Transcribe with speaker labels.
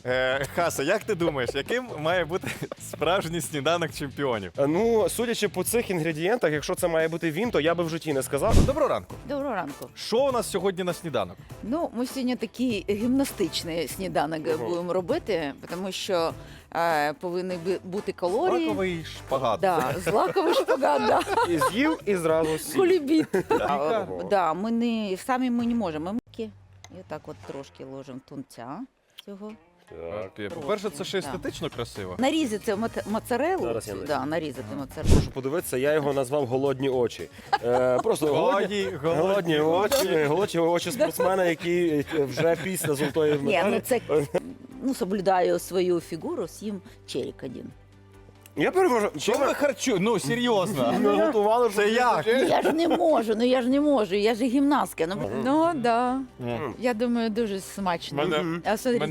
Speaker 1: Хаса, як ти думаєш, яким має бути справжній сніданок чемпіонів?
Speaker 2: Ну, судячи по цих інгредієнтах, якщо це має бути він, то я би в житті не сказав.
Speaker 1: Доброго ранку.
Speaker 3: Доброго ранку.
Speaker 1: Що у нас сьогодні на сніданок?
Speaker 3: Ну, ми сьогодні такий гімнастичний сніданок будемо робити, тому що повинні бути калорії.
Speaker 1: Лаковий шпагат.
Speaker 3: Да, злаковий шпагат, да.
Speaker 2: І з'їв, і зразу сів.
Speaker 3: Кулібіт.
Speaker 2: Ого.
Speaker 3: Да, самі ми не можемо. І отак от трошки ложимо тунця цього.
Speaker 2: Так.
Speaker 1: По-перше, це ще естетично красиво.
Speaker 3: Нарізати моцарелу.
Speaker 2: Зараз я наріжу.
Speaker 3: Да, нарізати моцарелу.
Speaker 2: Прошу подивитися, я його назвав голодні очі. Просто голодні очі спортсмена, який вже після золотої
Speaker 3: Ні, ну
Speaker 2: медалі.
Speaker 3: це соблюдаю свою фігуру, з'їм черік один.
Speaker 2: Я переможу.
Speaker 1: Що ви харчу? Ну, серйозно.
Speaker 2: Ми готували вже.
Speaker 1: Це як?
Speaker 3: Я ж не можу, я ж гімнастка. Ну да. Я думаю, дуже смачно.
Speaker 1: Мене